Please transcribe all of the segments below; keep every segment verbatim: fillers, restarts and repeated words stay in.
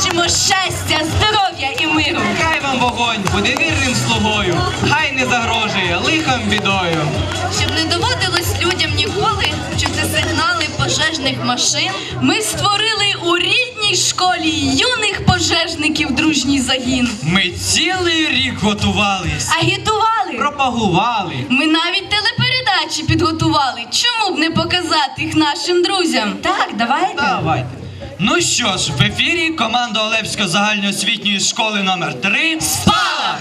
Бажаємо щастя, здоров'я і миру. Хай вам вогонь буде вірним слугою, хай не загрожує лихом бідою. Щоб не доводилось людям ніколи чути сигнали пожежних машин, ми створили у рідній школі юних пожежників дружній загін. Ми цілий рік готувались, Агітували. пропагували. Ми навіть телепередачі підготували. Чому б не показати їх нашим друзям? Так, давайте. Давайте. Ну що ж, в ефірі команда Олевської загальноосвітньої школи номер три «Спалах».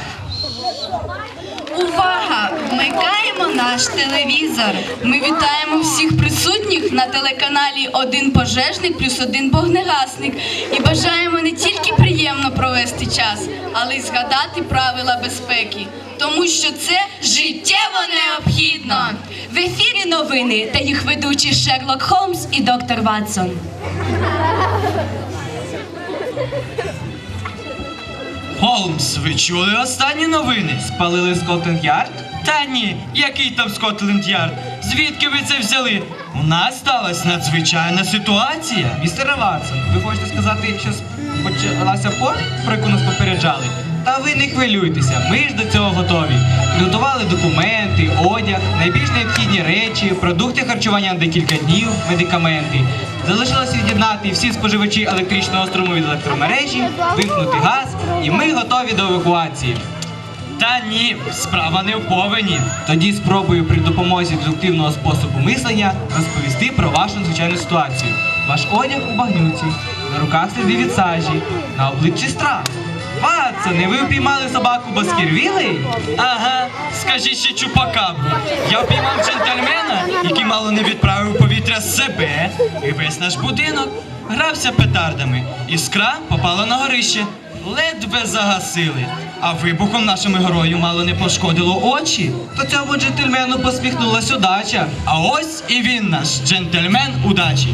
Увага! Вмикаємо наш телевізор. Ми вітаємо всіх присутніх на телеканалі «Один пожежник плюс один вогнегасник» і бажаємо не тільки приємно провести час, але й згадати правила безпеки, тому що це життєво необхідно. В ефірі новини та їх ведучі Шерлок Холмс і доктор Ватсон. Холмс, ви чули останні новини? Спалили Скотланд-Ярд? Та ні, який там Скотланд-Ярд? Звідки ви це взяли? У нас сталася надзвичайна ситуація. Містер Ватсон, ви хочете сказати, що почалася повінь, про яку нас попереджали? Та ви не хвилюйтеся, ми ж до цього готові. Підготували документи, одяг, найбільш необхідні речі, продукти харчування на декілька днів, медикаменти. Залишилося від'єднати всі споживачі електричного струму від електромережі, вимкнути газ, і ми готові до евакуації. Та ні, справа не в повені. Тоді спробую при допомозі дедуктивного способу мислення розповісти про вашу надзвичайну ситуацію. Ваш одяг у багнюці, на руках сліди від сажі, на обличчі страх. Ватсоне, ви впіймали собаку Баскервілей? Ага, скажіть ще чупакабру. Я впіймав джентльмена, який мало не відправив у повітря себе і весь наш будинок. Грався петардами. Іскра попала на горище. Ледве загасили. А вибухом нашому герою мало не пошкодило очі. То цьому джентльмену посміхнулась удача. А ось і він наш, джентльмен удачі.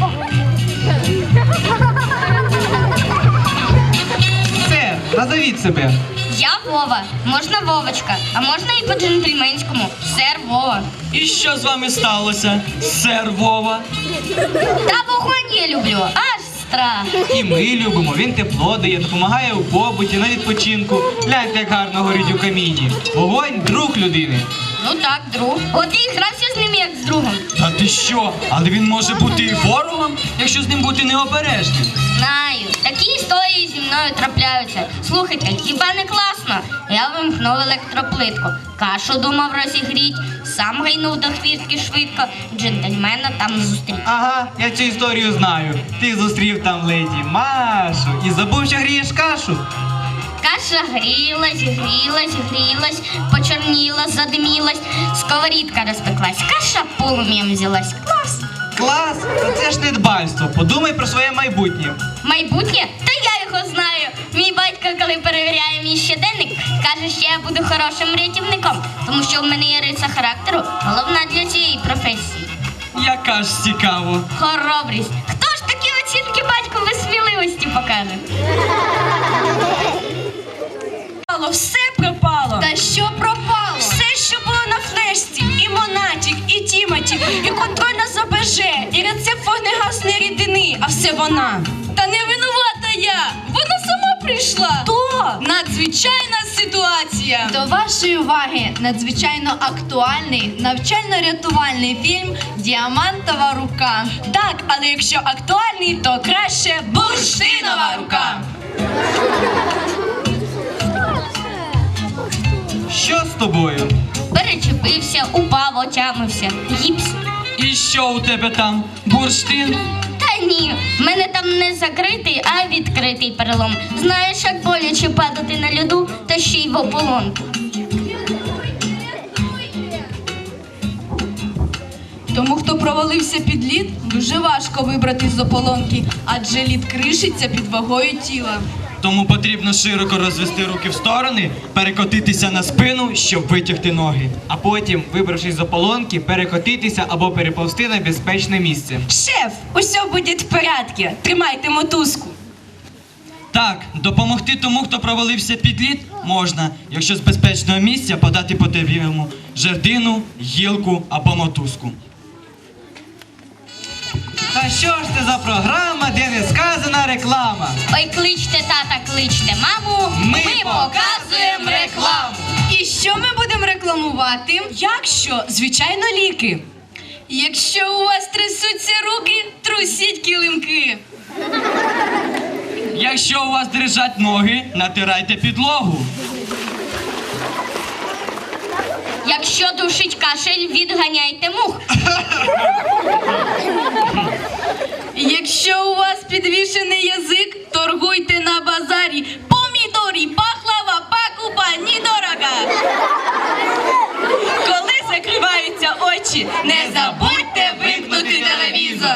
Сер, назовіть себе. Я Вова, можна Вовочка, а можна і по-джентльменському. Сер Вова. І що з вами сталося, сер Вова? Та вогонь я люблю, аж страх. І ми любимо, він тепло дає, допомагає у побуті, на відпочинку. Гляньте, як гарно горить у каміні. Вогонь – друг людини. Ну так, друг. От я і грався з ним як з другом. Та ти що? Але він може бути і ворогом, якщо з ним бути необережним. Знаю, такі історії зі мною трапляються. Слухайте, хіба не класно? Я вимкнув електроплитку. Кашу думав розігріть, сам гайнув до хвіртки швидко, джентльмена там зустрів. Ага, я цю історію знаю. Ти зустрів там леді Машу і забув, що грієш кашу. Каша грілась, грілась, грілась, почорніла, задимілась, сковорідка розпеклась, каша полум'ям взялась. Клас! Клас! Та це ж недбальство. Подумай про своє майбутнє. Майбутнє? Та я його знаю. Мій батько, коли перевіряє мій щоденник, каже, що я буду хорошим рятівником, тому що в мене є риса характеру, головна для цієї професії. Яка ж цікаво. Хоробрість. Хто ж такі оцінки батьку без сміливості покаже? Все пропало. Та що пропало? Все, що було на флешці, і Монатік, і Тімоті, і контрольна з ОБЖ, і рецепт вогнегасної рідини, а все вона. Та не винувата я, вона сама прийшла. То надзвичайна ситуація. До вашої уваги надзвичайно актуальний навчально-рятувальний фільм «Діамантова рука». Так, але якщо актуальний, то краще «Бурштинова рука». Що з тобою? Перечепився, упав, отямився. Гіпс. І що у тебе там? Бурштин? Та ні, в мене там не закритий, а відкритий перелом. Знаєш, як боляче падати на льоду, та ще й в ополонку. Тому, хто провалився під лід, дуже важко вибрати з ополонки, адже лід кришиться під вагою тіла. Тому потрібно широко розвести руки в сторони, перекотитися на спину, щоб витягти ноги. А потім, вибравшись з ополонки, перекотитися або переповзти на безпечне місце. Шеф, усе буде в порядку. Тримайте мотузку. Так, допомогти тому, хто провалився під лід, можна, якщо з безпечного місця подати потрібному жердину, гілку або мотузку. Та Та що ж це за програма, де не сказана реклама? Ой, кличте тата, кличте маму, Ми показуємо рекламу. І що ми будемо рекламувати? Якщо, звичайно, ліки. Якщо у вас трясуться руки, трусіть килимки. Якщо у вас дрижать ноги, натирайте підлогу. Якщо душить кашель, відганяйте мух. Якщо у вас підвішений язик, торгуйте на базарі. Помідорі, пахлава, покупа, недорого. Коли закриваються очі, не забудьте вимкнути телевізор.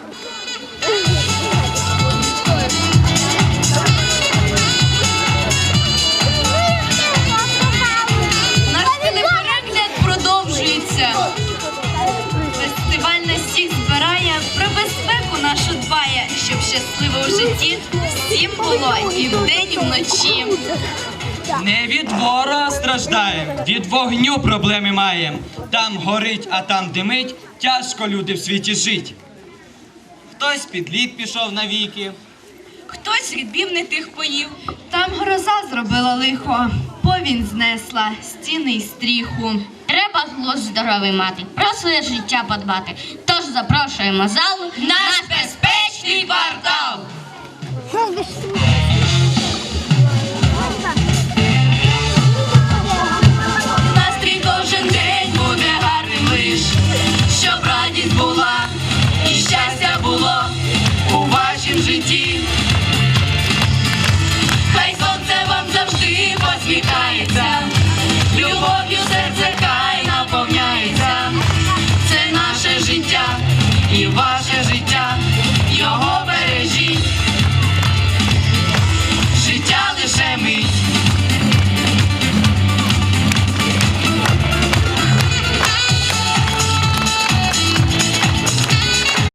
Наш телеперегляд продовжується. Фестиваль нас всіх збирає, про безпеку нашу дбає, щоб щасливо в житті всім було і вдень, і вночі. Не від ворога страждаєм, від вогню проблеми маєм. Там горить, а там димить, тяжко люди в світі жить. Хтось під лід пішов навіки. Хтось рідбів не тих поїв. Там гроза зробила лихо, повінь знесла стіни й стріху. Треба глузд здоровий мати, про своє життя подбати. Тож запрошуємо залу Наш безпечний